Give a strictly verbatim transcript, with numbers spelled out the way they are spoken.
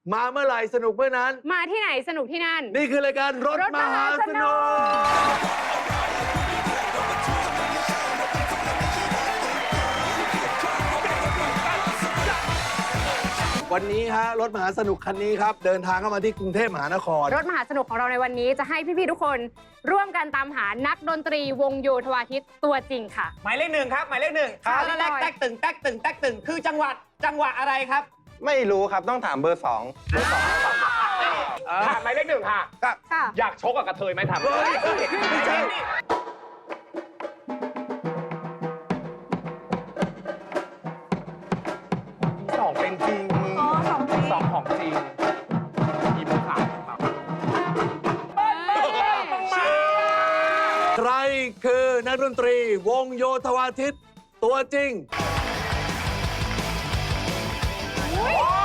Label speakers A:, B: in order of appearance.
A: มาเมื่อไหร่สนุกเมื่อนั้น
B: มาที่ไหนสนุกที่นั่น
A: นี่คือรายการรถมหาสนุกวันนี้ฮะรถมหาสนุกคันนี้ครับเดินทางเข้ามาที่กรุงเทพมหานคร
B: รถมหาสนุกของเราในวันนี้จะให้พี่ๆทุกคนร่วมกันตามหานักดนตรีวงโยธวาทิตตัวจริงค่ะ
C: หมายเลขหนึ่งครับหมายเลขหนึ่งครับแรกแตกตึงแตกตึงแตกตึงคือจังหวัดจังหวัดอะไรครับ
D: ไม่รู้ครับต้องถามเบอร์สองเบอร์สอง
E: ถามหมายเลขหนึ่งค่ะ
B: ค่ะ
E: อยากชกกับกระเทยไหมถาม
A: ไม่ใช่
E: สองเป็นจริงสองของจริงยิ้มขาว
A: ใครคือนักดนตรีวงโยธวาทิตตัวจริง